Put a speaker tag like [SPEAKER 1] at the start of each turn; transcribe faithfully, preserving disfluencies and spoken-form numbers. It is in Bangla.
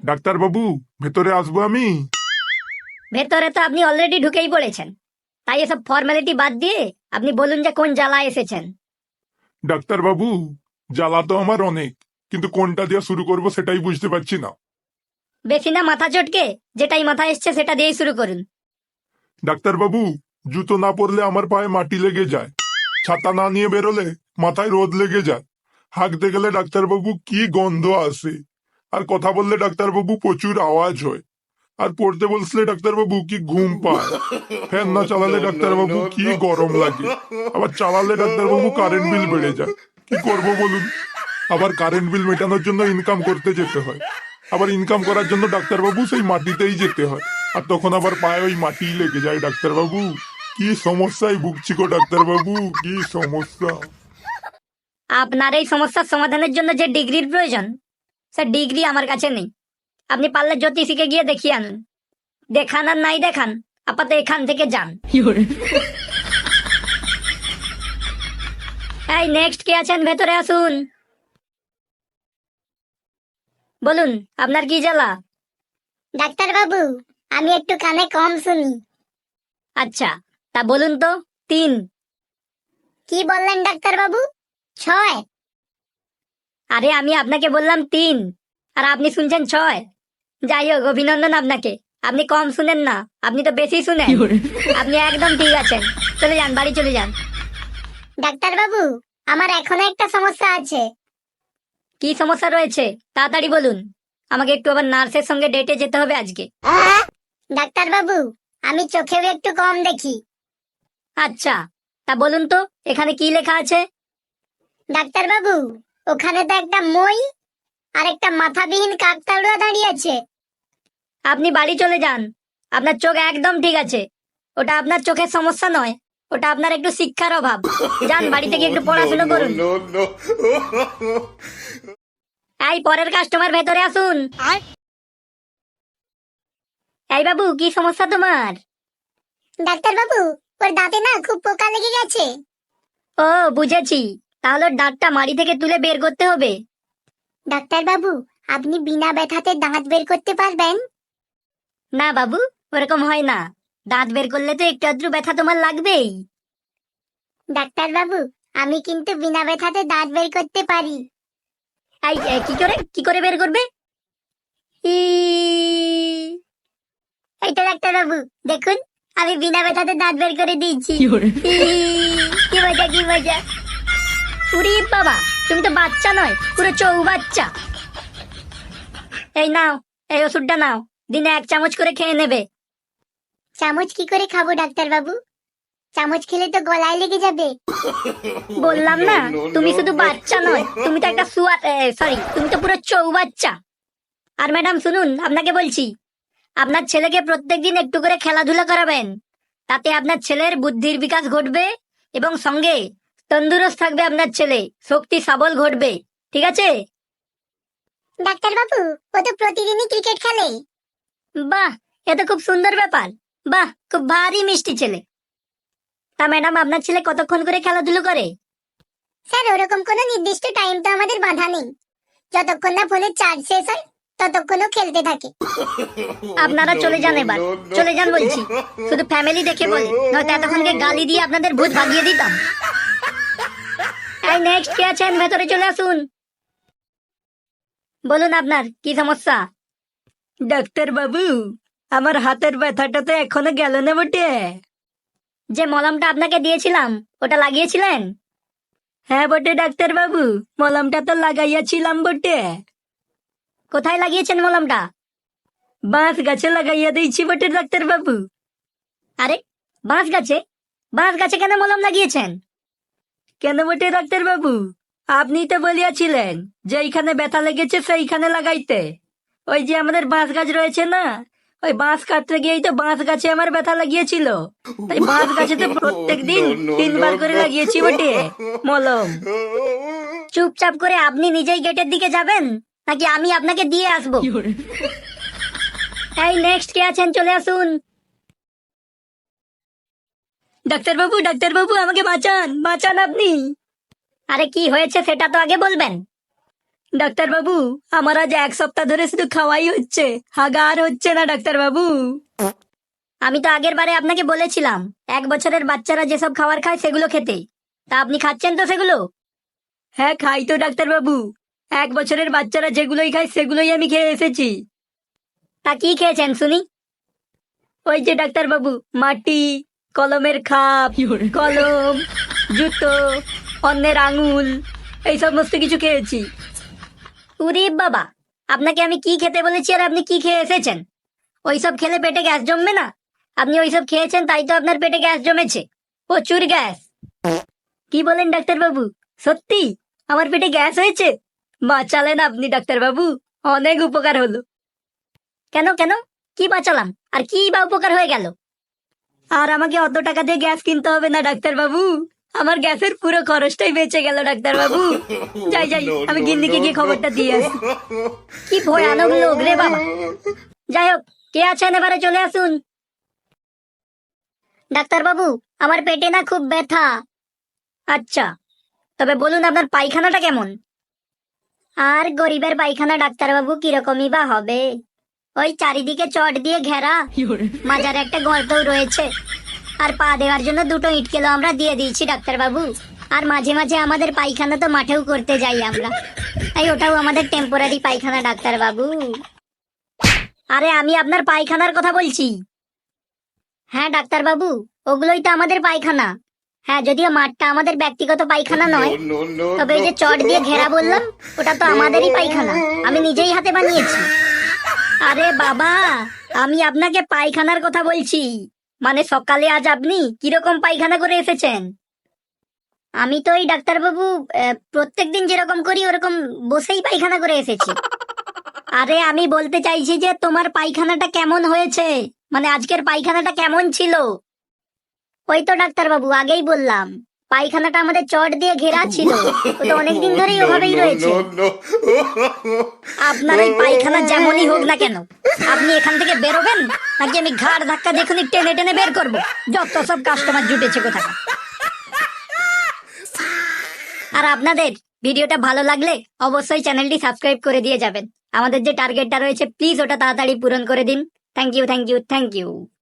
[SPEAKER 1] ডাক্তার বাবু, ভেতরে আসবো আমি?
[SPEAKER 2] ভেতরে তো আপনি অলরেডি ঢুকেই পড়েছেন, তাই এসব ফর্মালিটি বাদ দিয়ে আপনি বলুন যে কোন জ্বালায় এসেছেন।
[SPEAKER 1] ডাক্তার বাবু, জ্বালা তো আমার অনেক, কিন্তু কোনটা দিয়ে শুরু করব সেটাই বুঝতে পারছি না।
[SPEAKER 2] বেশি না মাথা চটকে, যেটাই মাথায় এসছে সেটা দিয়েই শুরু করুন।
[SPEAKER 1] ডাক্তার বাবু, জুতো না পরলে আমার পায়ে মাটি লেগে যায়, ছাতা না নিয়ে বেরোলে মাথায় রোদ লেগে যায়, হাঁকতে গেলে ডাক্তার বাবু কি গন্ধ আসে, আর কথা বললে ডাক্তার বাবু প্রচুর আওয়াজ হয়, আর পড়তে বলছিলে ডাক্তার বাবু কি ঘুম পায়, ফ্যান না চালালে ডাক্তার বাবু কি গরম লাগে, আবার চালালে ডাক্তার বাবু কারেন্ট বিল বেড়ে যায়। কি করব বলুন? আবার কারেন্ট বিল মেটানোর জন্য ইনকাম করতে যেতে হয়, আবার ইনকাম করার জন্য ডাক্তার বাবু সেই মাটিতেই যেতে হয়, আর তখন আবার পায়ে ওই মাটি লেগে যায়। ডাক্তার বাবু কি সমস্যায় ভুগছি গো ডাক্তার বাবু, কি সমস্যা!
[SPEAKER 2] আপনার এই সমস্যার সমাধানের জন্য যে ডিগ্রির প্রয়োজন, সে ডিগ্রি আমার কাছে নেই। আপনি পারলে জ্যোতিষীকে গিয়ে দেখিয়ে আনুন। দেখান আর নাই দেখান, আপাতত এখান থেকে যান। এই নেক্সট কে আছেন ভেতরে আসুন। বলুন আপনার কি জ্বালা?
[SPEAKER 3] ডাক্তার বাবু, আমি একটু কানে কম শুনি।
[SPEAKER 2] আচ্ছা, তা বলুন তো তিন।
[SPEAKER 3] কি বললেন ডাক্তার বাবু? ছয়?
[SPEAKER 2] আরে আমি আপনাকে বললাম তিন, আর আপনি শুনছেন ছয়। যাই হোক, অভিনন্দন আপনাকে। আপনি কম শুনেন না, আপনি তো বেশি শুনেন। আপনি একদম ঠিক আছেন, চলে যান, বাড়ি চলে যান।
[SPEAKER 3] ডাক্তার বাবু, আমার এখনো একটা সমস্যা আছে।
[SPEAKER 2] কি সমস্যা রয়েছে তাড়াতাড়ি বলুন, আমাকে একটু আবার নার্সের সঙ্গে ডেটে যেতে হবে আজকে।
[SPEAKER 3] ডাক্তার বাবু, আমি চোখেও একটু কম দেখি।
[SPEAKER 2] আচ্ছা, তা বলুন তো এখানে কি লেখা আছে?
[SPEAKER 3] ডাক্তার বাবু, ওখানে তো একটা মই আর একটা মাথাবিহীন কাকতাড়ুয়া দাঁড়িয়ে আছে।
[SPEAKER 2] আপনি বাড়ি চলে যান, আপনার চোখ একদম ঠিক আছে। ওটা আপনার চোখের সমস্যা নয়, ওটা আপনার একটু শিক্ষার অভাব। যান বাড়ি থেকে একটু পড়াশোনা করুন। এই পরের কাস্টমার ভেতরে আসুন। এই বাবু, কি সমস্যা তোমার?
[SPEAKER 3] ডাক্তার বাবু, ওর দাঁতে না খুব পোকা লেগে গেছে।
[SPEAKER 2] ও বুঝেছি, তাহলে ওর দাঁতটা মাড়ি থেকে তুলে বের করতে হবে।
[SPEAKER 3] ডাক্তার বাবু, আপনি বিনা ব্যথাতে দাঁত বের করতে পারবেন?
[SPEAKER 2] না বাবু, ওরকম হয় না। দাঁত বের করলে তো একটু আধটু ব্যথা তোমার লাগবেই।
[SPEAKER 3] ডাক্তার বাবু, আমি কিন্তু বিনা ব্যথাতে দাঁত বের করতে পারি।
[SPEAKER 2] এই এ, কি করে কি করে বের করবে? ই,
[SPEAKER 3] এই তো ডাক্তার বাবু, দেখুন আমি বিনা ব্যথাতে দাঁত বের করে দিয়েছি। ই, কি মজা, কি মজা!
[SPEAKER 2] উরি বাবা, তুমি তো বাচ্চা নয়, পুরো চৌ বাচ্চা। এই নাও, এই ওষুধটা নাও, দিনে এক চামচ করে খেয়ে নেবে।
[SPEAKER 3] চামচ কি করে খাবো ডাক্তার বাবু? চামচ খেলে তো গলায় লেগে যাবে।
[SPEAKER 2] বললাম না, তুমি শুধু বাচ্চা নয়, তুমি তো একটা সুয়ার, সরি, তুমি তো পুরো চৌ বাচ্চা। আর ম্যাডাম শুনুন, আপনাকে বলছি, আপনার ছেলেকে প্রত্যেকদিন একটু করে খেলাধুলা করাবেন। তাতে আপনার ছেলের বুদ্ধির বিকাশ ঘটবে এবং সঙ্গে তন্দুরস্ত থাকবে আপনার ছেলে, শক্তি সাবল ঘটবে। ঠিক আছে?
[SPEAKER 3] ডাক্তার বাবু, ও তো প্রতিদিনই ক্রিকেট খেলে।
[SPEAKER 2] বাহ, এ তো খুব সুন্দর ব্যাপার। বাহ, খুব ভারী মিষ্টি ছেলে। তা ম্যাডাম, আপনার ছেলে কতক্ষণ করে খেলাধুলো করে?
[SPEAKER 3] স্যার, ওরকম কোনো নির্দিষ্ট টাইম তো আমাদের বাঁধা নেই। যতক্ষণ না ফোনের চার্জ শেষ হয় ততক্ষণও খেলতে থাকে।
[SPEAKER 2] আপনারা চলে যান এবার, চলে যান বলছি। শুধু ফ্যামিলি দেখে বলে, নয়তো এতক্ষণকে গালি দিয়ে আপনাদের ভূত ভাগিয়ে দিতাম। এই নেক্সট কে আছেন ভেতরে চলে আসুন। বলুন আপনার কি সমস্যা? ডাক্তার বাবু, আমার হাতের ব্যথাটা তো এখনো গেল না বটে। যে মলমটা আপনাকে দিয়েছিলাম ওটা লাগিয়েছিলেন? হ্যাঁ বটে ডাক্তার বাবু, মলমটা তো লাগাইয়াছিলাম বটে। কোথায় লাগিয়েছেন মলমটা? বাঁশ গাছে লাগাইয়া দিয়েছি বটে ডাক্তার বাবু। আরে, বাঁশ গাছে? বাঁশ গাছে কেন মলম লাগিয়েছেন? কেন বটে ডাক্তার বাবু, আপনি তো বলিয়াছিলেন যে এইখানে ব্যথা লেগেছে সেইখানে লাগাইতে। ওই যে আমাদের বাঁশ গাছ রয়েছে না, ওই বাঁশ কাটতে গিয়েই তো বাঁশ গাছে আমার ব্যথা লাগিয়েছিল। তাই বাঁশ গাছে তো প্রত্যেক দিন তিনবার করে লাগিয়েছি বটে মলম। চুপচাপ করে আপনি নিজেই গেটের দিকে যাবেন, নাকি আমি আপনাকে দিয়ে আসবো? এই নেক্সট কে আছেন চলে আসুন। ডাক্তার বাবু, ডাক্তার বাবু, আমাকে বাঁচান, বাঁচান আপনি। আরে কি হয়েছে সেটা তো আগে বলবেন। ডাক্তার বাবু, আমার আজ এক সপ্তাহ ধরে শুধু খাওয়াই হচ্ছে, হাগা আর হচ্ছে না ডাক্তার বাবু। আমি তো আগের বারে আপনাকে বলেছিলাম এক বছরের বাচ্চারা যেসব খাবার খায় সেগুলো খেতে, তা আপনি খাচ্ছেন তো সেগুলো? হ্যাঁ খাই তো ডাক্তার বাবু, এক বছরের বাচ্চারা যেগুলোই খায় সেগুলোই আমি খেয়ে এসেছি। তা কি খেয়েছেন শুনি? ওই যে ডাক্তার বাবু, মাটি, কলমের খাপ, কলম, জুতো, অন্যের আঙুল, এই সমস্ত কিছু খেয়েছি। উরে বাবা, আপনাকে আমি কি খেতে বলেছি আর আপনি কি খেয়ে এসেছেন? ওইসব খেলে পেটে গ্যাস জমবে না? আপনি ওইসব খেয়েছেন তাই তো আপনার পেটে গ্যাস জমেছে, প্রচুর গ্যাস। কি বলেন ডাক্তার বাবু, সত্যি আমার পেটে গ্যাস হয়েছে? বাঁচালেন আপনি ডাক্তার বাবু, অনেক উপকার হলো। কেন কেন, কি বাঁচালাম আর কি বা উপকার হয়ে গেল? আর আমাকে অত টাকা দিয়ে গ্যাস কিনতে হবে না ডাক্তার বাবু, আমার গ্যাসের পুরো খরচটাই বেঁচে গেল ডাক্তার বাবু। যাই যাই, আমি গিন্নিকে গিয়ে খবরটা দিয়ে আসি। কি ভয়ানক লোক রে বাবা। যাই হোক, কে আছেন এবারে চলে আসুন। ডাক্তার বাবু, আমার পেটে না খুব ব্যথা। আচ্ছা, তবে বলুন আপনার পায়খানাটা কেমন? আর গরিবের পায়খানা ডাক্তার বাবু কিরকমই বা হবে, ওই চারিদিকে চট দিয়ে ঘেরা, মাজারে একটা গর্তও রয়েছে, আর পা দেওয়ার জন্য দুটো ইটকেলো আমরা দিয়ে দিয়েছি ডাক্তার বাবু। আর মাঝে মাঝে আমাদের পায়খানা তো মাঠেও করতে যাই আমরা, তাই ওটাও আমাদের টেম্পোরারি পায়খানা ডাক্তার বাবু। আরে আমি আপনার পায়খানার কথা বলছি। হ্যাঁ ডাক্তার বাবু, ওগুলোই তো আমাদের পায়খানা। হ্যাঁ, যদিও মাঠটা আমাদের ব্যক্তিগত পায়খানা নয়, তবে এই যে চট দিয়ে ঘেরা বললাম, ওটা তো আমাদেরই পায়খানা, আমি নিজেই হাতে বানিয়েছি। আরে বাবা, আমি আপনাকে পায়খানার কথা বলছি, মানে সকালে আজ আপনি কিরকম পায়খানা করে এসেছেন? আমি তো এই ডাক্তারবাবু প্রত্যেক দিন যেরকম করি ওরকম বসেই পায়খানা করে এসেছি। আরে আমি বলতে চাইছি যে তোমার পায়খানাটা কেমন হয়েছে, মানে আজকের পায়খানাটা কেমন ছিল? ওই তো ডাক্তারবাবু আগেই বললাম, পায়খানাটা আমাদের চট দিয়ে ঘেরা ছিল, ওটা অনেকদিন ধরেই ওভাবেই রয়েছে। আপনার এই পায়খানা যেমনই হোক না কেন, আপনি এখান থেকে বেরোবেন নাকি আমি ঘাড় ধাক্কা দেখুন টেনে টেনে বের করবো? যত সব কাস্টমার জুটেছে কোথায়। আর আপনাদের ভিডিওটা ভালো লাগলে অবশ্যই চ্যানেলটি সাবস্ক্রাইব করে দিয়ে যাবেন। আমাদের যে টার্গেটটা রয়েছে প্লিজ ওটা তাড়াতাড়ি পূরণ করে দিন। Thank you thank you thank you.